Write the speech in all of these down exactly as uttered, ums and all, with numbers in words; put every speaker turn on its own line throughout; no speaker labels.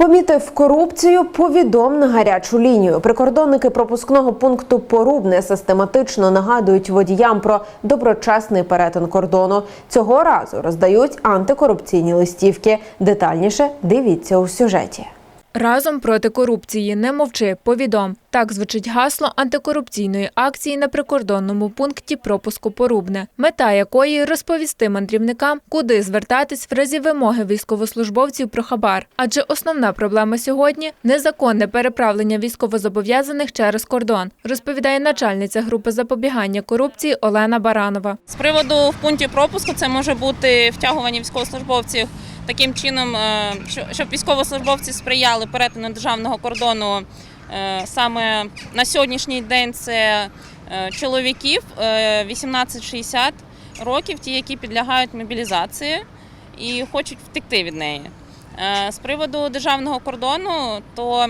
Помітив корупцію – повідом на гарячу лінію. Прикордонники пропускного пункту Порубне систематично нагадують водіям про доброчесний перетин кордону. Цього разу роздають антикорупційні листівки. Детальніше дивіться у сюжеті.
Разом проти корупції. Не мовчи, повідом. Так звучить гасло антикорупційної акції на прикордонному пункті пропуску Порубне, мета якої – розповісти мандрівникам, куди звертатись в разі вимоги військовослужбовців про хабар. Адже основна проблема сьогодні – незаконне переправлення військовозобов'язаних через кордон, розповідає начальниця групи запобігання корупції Олена Баранова.
З приводу в пункті пропуску це може бути втягування військовослужбовців таким чином, щоб військовослужбовці сприяли перетину державного кордону. Саме на сьогоднішній день це чоловіків вісімнадцять шістдесят років, ті, які підлягають мобілізації і хочуть втекти від неї. З приводу державного кордону, то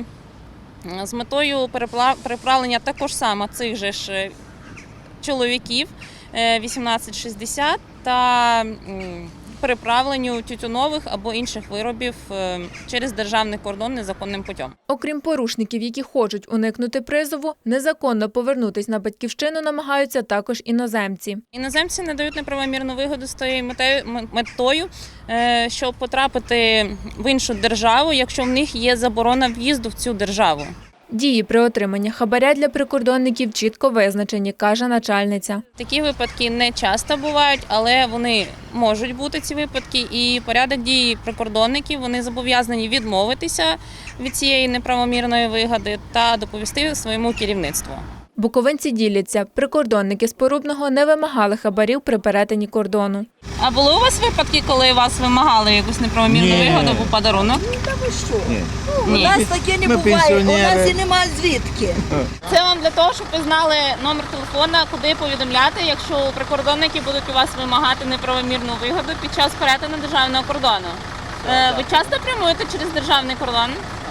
з метою переправлення також саме цих же ж чоловіків вісімнадцять шістдесят та переправленню тютюнових або інших виробів через державний кордон незаконним путем.
Окрім порушників, які хочуть уникнути призову, незаконно повернутись на батьківщину намагаються також іноземці.
Іноземці не дають неправомірну вигоду з тією метою, щоб потрапити в іншу державу, якщо в них є заборона в'їзду в цю державу.
Дії при отриманні хабаря для прикордонників чітко визначені, каже начальниця.
Такі випадки не часто бувають, але вони можуть бути, ці випадки. І порядок дій прикордонників, вони зобов'язані відмовитися від цієї неправомірної вигоди та доповісти своєму керівництву.
Буковинці діляться, прикордонники з Порубного не вимагали хабарів при перетині кордону.
А були у вас випадки, коли вас вимагали якусь неправомірну вигоду або подарунок?
Та ви що?
Ні.
У нас таке не
Ми
буває, у нас
пенсіонери.
і немає звідки.
Це вам для того, щоб ви знали номер телефона, куди повідомляти, якщо прикордонники будуть у вас вимагати неправомірну вигоду під час перетину державного кордону. Ви часто прямуєте через державний кордон?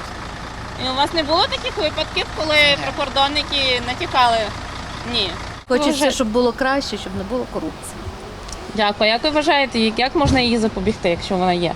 І у вас не було таких випадків, коли прикордонники натякали? Ні.
Хочеться, щоб було краще, щоб не було корупції.
Дякую. Як ви вважаєте, як можна її запобігти, якщо вона є?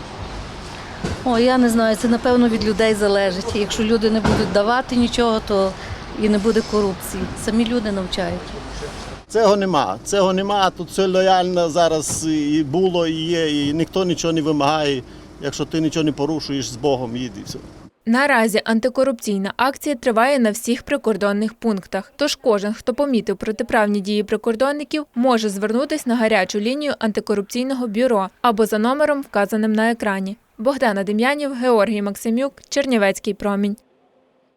О, я не знаю, це напевно від людей залежить. Якщо люди не будуть давати нічого, то і не буде корупції. Самі люди навчають.
Цього нема. Цього нема. Тут все лояльно зараз і було, і є, і ніхто нічого не вимагає. Якщо ти нічого не порушуєш, з Богом їди. Все.
Наразі антикорупційна акція триває на всіх прикордонних пунктах. Тож кожен, хто помітив протиправні дії прикордонників, може звернутися на гарячу лінію антикорупційного бюро або за номером, вказаним на екрані. Богдана Дем'янів, Георгій Максимюк, Чернівецький промінь.